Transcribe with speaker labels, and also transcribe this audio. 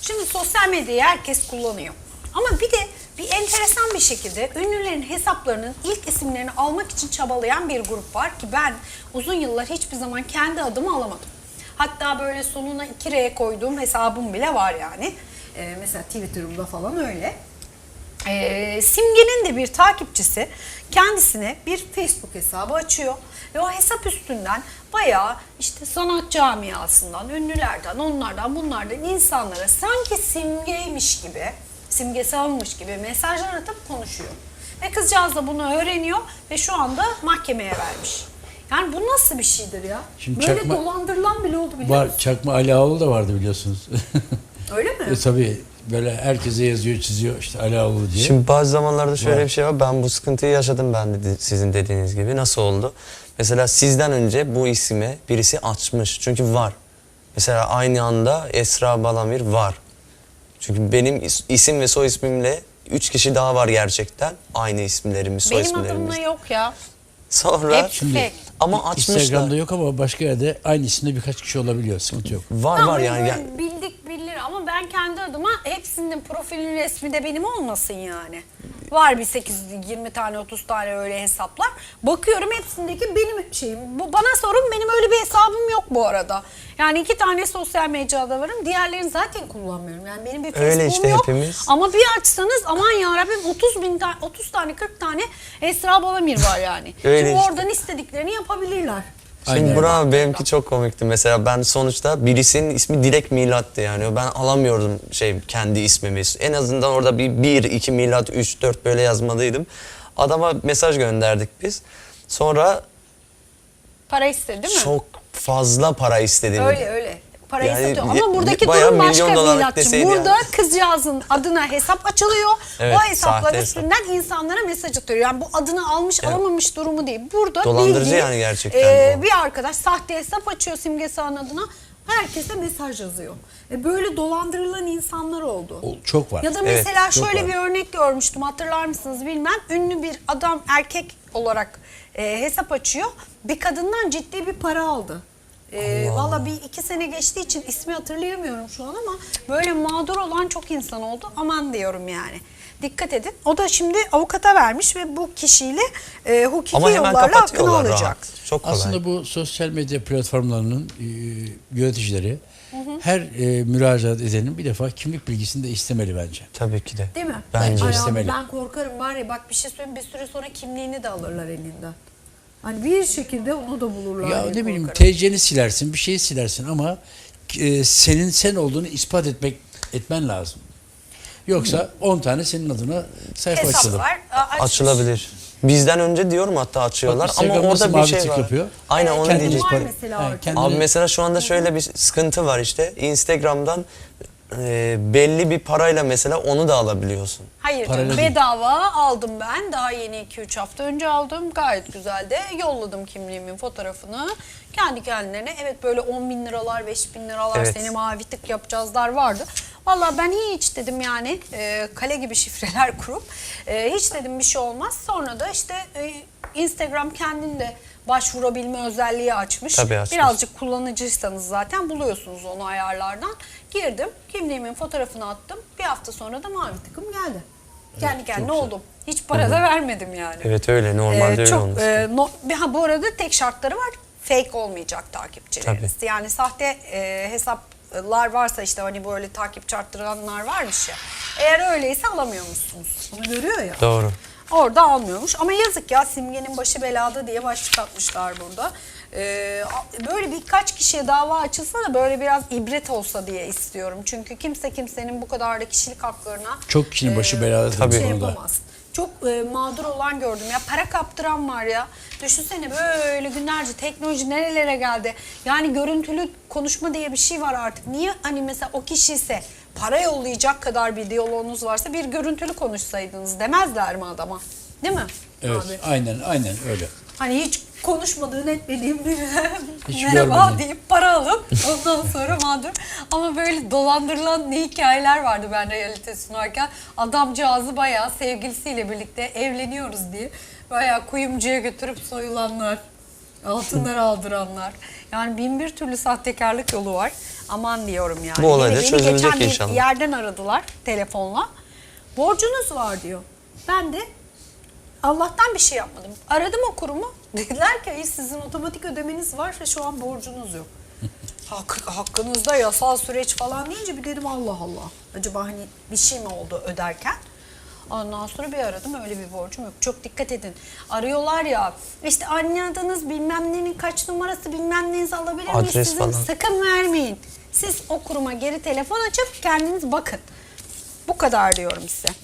Speaker 1: Şimdi sosyal medyayı herkes kullanıyor. Ama bir de bir enteresan bir şekilde ünlülerin hesaplarının ilk isimlerini almak için çabalayan bir grup var ki ben uzun yıllar hiçbir zaman kendi adımı alamadım. Hatta böyle sonuna 2R koyduğum hesabım bile var yani. Mesela Twitter'ımda falan öyle. Simge'nin de bir takipçisi kendisine bir Facebook hesabı açıyor ve o hesap üstünden bayağı işte sanat camiasından, ünlülerden, onlardan, bunlardan insanlara sanki simgeymiş gibi, simgesi almış gibi mesajlar atıp konuşuyor. Ve kızcağız da bunu öğreniyor ve şu anda mahkemeye vermiş. Yani bu nasıl bir şeydir ya?
Speaker 2: Şimdi
Speaker 1: böyle dolandırılan bile oldu biliyor musun?
Speaker 2: Çakma Ali Ağaoğlu da vardı biliyorsunuz.
Speaker 1: Öyle mi?
Speaker 2: Tabii böyle herkese yazıyor, çiziyor işte Ali Ağaoğlu diye.
Speaker 3: Şimdi bazı zamanlarda şöyle bir şey var. Ben bu sıkıntıyı yaşadım ben de sizin dediğiniz gibi. Nasıl oldu? Mesela sizden önce bu ismi birisi açmış. Çünkü var. Mesela aynı anda Esra Balamir var. Çünkü benim isim ve soy ismimle 3 kişi daha var gerçekten. Aynı isimlerimiz, soy
Speaker 1: Benim
Speaker 3: isimlerimiz.
Speaker 1: adımla yok ya.
Speaker 3: Sonra
Speaker 1: Hep fake.
Speaker 3: ama açmışlar.
Speaker 2: Instagram'da yok ama başka yerde aynı isimde birkaç kişi olabiliyor. Sıkıntı yok.
Speaker 3: Var
Speaker 1: Tamam,
Speaker 3: var yani.
Speaker 1: böyle bildik bilir ama ben kendi adıma hepsinin profilin resmi de benim olmasın yani. Var bir 8-20 tane 30 tane öyle hesaplar. Bakıyorum hepsindeki benim şeyim. Bana sorun, benim öyle bir hesabım yok bu arada. Yani 2 tane sosyal medyada varım. Diğerlerini zaten kullanmıyorum. Yani benim bir
Speaker 3: Öyle
Speaker 1: Facebook'um
Speaker 3: işte
Speaker 1: yok.
Speaker 3: hepimiz.
Speaker 1: Ama bir açsanız aman yarabbim 30 tane 40 tane Esra Balamir var yani.
Speaker 3: Öyle
Speaker 1: Şimdi
Speaker 3: işte.
Speaker 1: oradan istediklerini yapabilirler.
Speaker 3: Şimdi
Speaker 2: Aynen.
Speaker 3: bravo, benimki çok komikti. Mesela ben sonuçta birisinin ismi Dilek Milat'tı yani. Ben alamıyordum kendi ismimi. En azından orada bir 2 Milat, 3, 4 böyle yazmalıydım. Adama mesaj gönderdik biz. Sonra
Speaker 1: Para istedi değil mi?
Speaker 3: çok fazla para istedi.
Speaker 1: Öyle. Parayı
Speaker 3: Yani
Speaker 1: satıyor. Ama buradaki
Speaker 3: bayağı
Speaker 1: durum başka
Speaker 3: milyon dolarlık
Speaker 1: Milatçı.
Speaker 3: deseydi
Speaker 1: Burada
Speaker 3: yani.
Speaker 1: kızcağızın adına hesap açılıyor.
Speaker 3: Evet,
Speaker 1: o hesaplar
Speaker 3: sahte hesap.
Speaker 1: üstünden insanlara mesaj atıyor. Yani bu adını almış alamamış durumu değil. Burada
Speaker 3: Dolandırıcı
Speaker 1: bildiğin,
Speaker 3: yani gerçekten
Speaker 1: bir arkadaş sahte hesap açıyor Simge Sağ'ın adına. Herkese mesaj yazıyor. Böyle dolandırılan insanlar oldu.
Speaker 2: Çok var.
Speaker 1: Ya da
Speaker 3: Evet,
Speaker 1: mesela
Speaker 2: çok
Speaker 1: şöyle
Speaker 2: var.
Speaker 1: bir örnek görmüştüm, hatırlar mısınız bilmem. Ünlü bir adam erkek olarak hesap açıyor. Bir kadından ciddi bir para aldı. Valla bir 2 sene geçtiği için ismi hatırlayamıyorum şu an ama böyle mağdur olan çok insan oldu. Aman diyorum yani. Dikkat edin. O da şimdi avukata vermiş ve bu kişiyle hukuki
Speaker 3: Ama hemen
Speaker 1: yollarla hakkını
Speaker 3: kapatıyorlar
Speaker 1: alacak.
Speaker 3: rahat. Çok kolay.
Speaker 2: Aslında bu sosyal medya platformlarının yöneticileri her müracaat edenin bir defa kimlik bilgisini de istemeli bence.
Speaker 3: Tabii ki de.
Speaker 1: Değil mi?
Speaker 3: Bence
Speaker 1: Ay abi,
Speaker 2: istemeli.
Speaker 1: ben korkarım var ya, bak bir şey söyleyeyim, bir süre sonra kimliğini de alırlar elinden. Hani bir şekilde onu da bulurlar.
Speaker 2: Ya
Speaker 1: diye
Speaker 2: ne bileyim
Speaker 1: korkarım.
Speaker 2: TC'ni silersin, bir şeyi silersin ama senin sen olduğunu ispat etmen lazım. Yoksa 10 tane senin adına sayfa açılır.
Speaker 1: Hesaplar
Speaker 3: Açılabilir. Bizden önce diyorum hatta açıyorlar
Speaker 2: Bak,
Speaker 3: ama
Speaker 2: Instagram nasıl
Speaker 3: orada bir
Speaker 2: mavi
Speaker 3: şey
Speaker 2: tık
Speaker 3: var.
Speaker 2: yapıyor?
Speaker 3: Aynen onu
Speaker 2: Kendini
Speaker 3: diyecektim.
Speaker 1: var
Speaker 2: ispat-
Speaker 1: mesela
Speaker 2: He,
Speaker 1: orada.
Speaker 2: kendini-
Speaker 3: Abi mesela şu anda şöyle bir sıkıntı var işte. Instagram'dan belli bir parayla mesela onu da alabiliyorsun.
Speaker 1: Hayır
Speaker 2: Paralel
Speaker 1: canım,
Speaker 2: değil.
Speaker 1: bedava aldım ben. Daha yeni 2-3 hafta önce aldım. Gayet güzel de yolladım kimliğimin fotoğrafını. Kendi kendilerine evet böyle 10 bin liralar, 5 bin liralar
Speaker 3: Evet.
Speaker 1: seni mavi tık yapacağızlar vardı. Vallahi ben hiç dedim yani kale gibi şifreler kurup hiç dedim bir şey olmaz. Sonra da işte Instagram kendinde başvurabilme özelliği açmış.
Speaker 3: Tabii açmış.
Speaker 1: Birazcık kullanıcıysanız zaten buluyorsunuz onu ayarlardan. Girdim, kimliğimin fotoğrafını attım. Bir hafta sonra da mavi tıkım geldi. Kendi kendine
Speaker 2: çok güzel.
Speaker 1: oldum. Hiç para da vermedim yani.
Speaker 3: Evet öyle normalde öyle
Speaker 1: çok,
Speaker 3: olması.
Speaker 1: bu arada tek şartları var. Fake olmayacak takipçileriniz.
Speaker 3: Tabii.
Speaker 1: Yani sahte hesaplar varsa işte hani böyle takipçi arttıranlar varmış ya. Eğer öyleyse alamıyormuşsunuz. Bunu görüyor ya.
Speaker 3: Doğru.
Speaker 1: Orada almıyormuş. Ama yazık ya, Simge'nin başı belada diye başlık atmışlar burada. Böyle birkaç kişiye dava açılsa da böyle biraz ibret olsa diye istiyorum. Çünkü kimse kimsenin bu kadar da kişilik haklarına
Speaker 2: Çok kişinin başı belada
Speaker 3: tabii.
Speaker 2: tabii
Speaker 1: şey
Speaker 2: konuda.
Speaker 1: yapamaz. Çok mağdur olan gördüm ya, para kaptıran var ya. Düşünsene böyle günlerce teknoloji nerelere geldi. Yani görüntülü konuşma diye bir şey var artık. Niye hani mesela o kişi ise para yollayacak kadar bir diyaloğunuz varsa bir görüntülü konuşsaydınız demezler mi adama? Değil mi?
Speaker 2: Evet,
Speaker 1: Abi?
Speaker 2: aynen öyle.
Speaker 1: Hani hiç konuşmadığın etmediğin birine
Speaker 2: Hiç
Speaker 1: merhaba
Speaker 2: görmedin.
Speaker 1: deyip para alıp ondan sonra mağdur. Ama böyle dolandırılan ne hikayeler vardı ben realite sunarken. Adamcağızı bayağı sevgilisiyle birlikte evleniyoruz diye bayağı kuyumcuya götürüp soyulanlar. Altınları aldıranlar. Yani bin bir türlü sahtekarlık yolu var. Aman diyorum yani.
Speaker 3: Bu olay da
Speaker 1: Beni
Speaker 3: çözülecek
Speaker 1: geçen bir
Speaker 3: inşallah.
Speaker 1: yerden aradılar telefonla. Borcunuz var diyor. Ben de Allah'tan bir şey yapmadım. Aradım o kurumu. Dediler ki sizin otomatik ödemeniz var ve şu an borcunuz yok. Hakkınızda yasal süreç falan deyince bir dedim Allah Allah. Acaba hani bir şey mi oldu öderken? Ondan sonra bir aradım, öyle bir borcum yok. Çok dikkat edin. Arıyorlar ya, işte anne adınız bilmem nenin kaç numarası bilmem nenizi alabilir miyiz?
Speaker 3: Adres
Speaker 1: Sizin
Speaker 3: falan.
Speaker 1: sakın vermeyin. Siz o kuruma geri telefon açıp kendiniz bakın. Bu kadar diyorum size.